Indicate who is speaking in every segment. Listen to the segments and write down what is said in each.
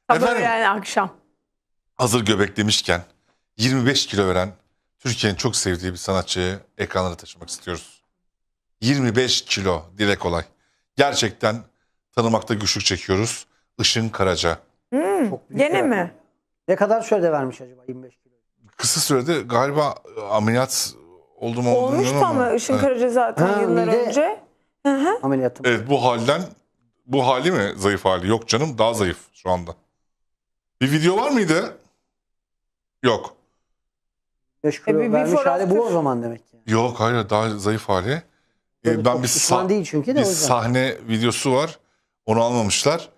Speaker 1: Sabah
Speaker 2: Efendim?
Speaker 1: öğlen akşam.
Speaker 2: Hazır göbek demişken 25 kilo veren Türkiye'nin çok sevdiği bir sanatçıyı ekranlara taşımak istiyoruz. 25 kilo, dile kolay. Gerçekten tanımakta güçlük çekiyoruz. Işın Karaca.
Speaker 3: Çok büyük
Speaker 1: Gene
Speaker 3: bir
Speaker 1: mi?
Speaker 3: rakam. Ne kadar sürede vermiş acaba 25 kilo?
Speaker 2: Kısa sürede galiba ameliyat oldu mu olduğunu
Speaker 1: Olmuştu
Speaker 2: bilmiyorum
Speaker 1: ama Işın
Speaker 2: Evet.
Speaker 1: Karaca zaten
Speaker 3: Ha,
Speaker 1: yıllar
Speaker 3: mide-
Speaker 1: önce.
Speaker 3: Ameliyatım.
Speaker 2: Evet, bu hali mi zayıf hali? Yok canım, daha zayıf şu anda. Bir video var mıydı? Yok.
Speaker 3: 25 kilo
Speaker 1: bir
Speaker 3: vermiş
Speaker 1: before
Speaker 3: hali bu o
Speaker 1: after.
Speaker 3: zaman demek ki.
Speaker 2: Yok, hayır, daha zayıf hali.
Speaker 3: Böyle
Speaker 2: Ben
Speaker 3: çok
Speaker 2: bir
Speaker 3: şişman değil çünkü de
Speaker 2: bir
Speaker 3: o yüzden.
Speaker 2: sahne videosu var. Onu almamışlar.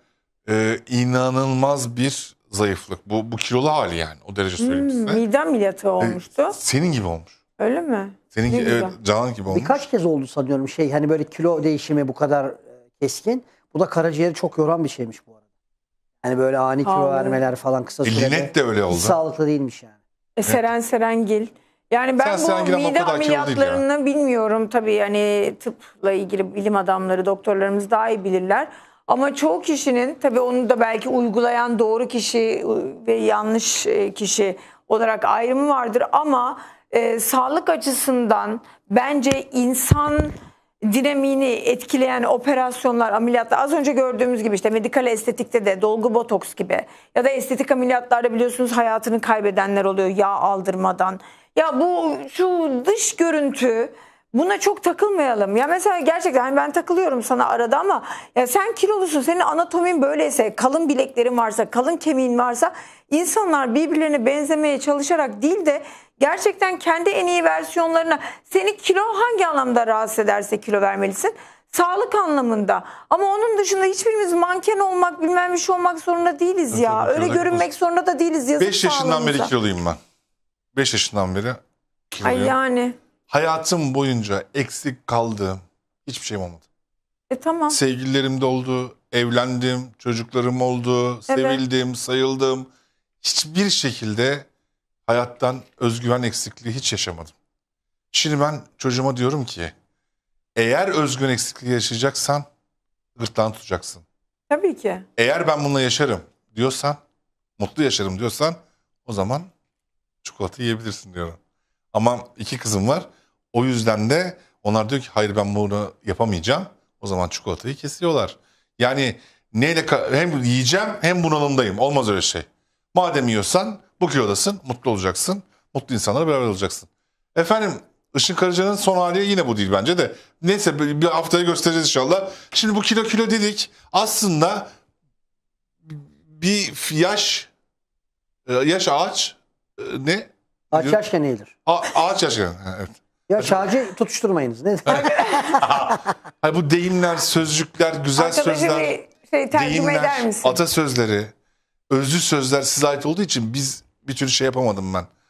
Speaker 2: İnanılmaz bir zayıflık. Bu kilolu hali yani. O derece söyleyeyim size.
Speaker 1: Mide ameliyatı olmuştu.
Speaker 2: Senin gibi olmuş.
Speaker 1: Öyle mi?
Speaker 2: Senin
Speaker 1: Ne
Speaker 2: gibi, evet,
Speaker 1: güzel.
Speaker 2: Canan gibi olmuş.
Speaker 3: Birkaç kez oldu sanıyorum hani böyle kilo değişimi bu kadar keskin. Bu da karaciğeri çok yoran bir şeymiş bu arada. Hani böyle ani kilo
Speaker 1: Vallahi.
Speaker 3: vermeler falan kısa sürede.
Speaker 2: Linet de öyle oldu.
Speaker 3: Hiç sağlıklı değilmiş yani.
Speaker 1: Seren Serengil. Yani ben
Speaker 2: Serengil
Speaker 1: bu
Speaker 2: ama o
Speaker 1: mide
Speaker 2: kadar kilolu değil ya.
Speaker 1: ameliyatlarını bilmiyorum tabii, yani tıpla ilgili bilim adamları, doktorlarımız daha iyi bilirler. Ama çoğu kişinin, tabii onu da belki uygulayan doğru kişi ve yanlış kişi olarak ayrımı vardır ama sağlık açısından bence insan dinamiğini etkileyen operasyonlar, ameliyatlar, az önce gördüğümüz gibi işte medikal estetikte de dolgu botoks gibi ya da estetik ameliyatlarda biliyorsunuz hayatını kaybedenler oluyor yağ aldırmadan. Ya bu şu dış görüntü, buna çok takılmayalım. Ya mesela gerçekten hani ben takılıyorum sana arada ama ya sen kilolusun, senin anatomin böyleyse, kalın bileklerin varsa, kalın kemiğin varsa, insanlar birbirlerine benzemeye çalışarak değil de gerçekten kendi en iyi versiyonlarına, seni kilo hangi anlamda rahatsız ederse kilo vermelisin. Sağlık anlamında. Ama onun dışında hiçbirimiz manken olmak, bilmem bir şey olmak zorunda değiliz ya.
Speaker 2: tabii,
Speaker 1: Öyle
Speaker 2: kilolar
Speaker 1: görünmek zorunda da değiliz. Yazık
Speaker 2: 5 yaşından beri
Speaker 1: sağlığımıza.
Speaker 2: kiloluyum ben. 5 yaşından beri
Speaker 1: Ay
Speaker 2: kiloluyum.
Speaker 1: yani.
Speaker 2: Hayatım boyunca eksik kaldığım hiçbir şeyim olmadı.
Speaker 1: Tamam.
Speaker 2: Sevgililerim de oldu, evlendim, çocuklarım oldu, sevildim, sayıldım. Hiçbir şekilde hayattan özgüven eksikliği hiç yaşamadım. Şimdi ben çocuğuma diyorum ki, eğer özgüven eksikliği yaşayacaksan gırtlağını tutacaksın.
Speaker 1: Tabii ki.
Speaker 2: Eğer ben bununla yaşarım diyorsan, mutlu yaşarım diyorsan, o zaman çikolata yiyebilirsin diyorum. Ama 2 kızım var. O yüzden de onlar diyor ki hayır, ben bunu yapamayacağım. O zaman çikolatayı kesiyorlar. Yani hem yiyeceğim hem bunalımdayım. Olmaz öyle şey. Madem yiyorsan bu kilodasın, mutlu olacaksın. Mutlu insanlarla beraber olacaksın. Efendim, Işın Karaca'nın son hali yine bu değil bence de. Neyse, bir haftaya göstereceğiz inşallah. Şimdi bu kilo dedik. Aslında bir yaş ağaç ne?
Speaker 3: Ağaç yaşken eğilir.
Speaker 2: Ağaç yaş. Evet.
Speaker 3: Yaş ağacı tutuşturmayınız. Ne?
Speaker 2: Hayır, bu deyimler, sözcükler, güzel
Speaker 1: Arkadaşa
Speaker 2: sözler,
Speaker 1: bir şey tercüme eder misin?
Speaker 2: atasözleri, özlü sözler size ait olduğu için biz bir türlü şey yapamadım ben.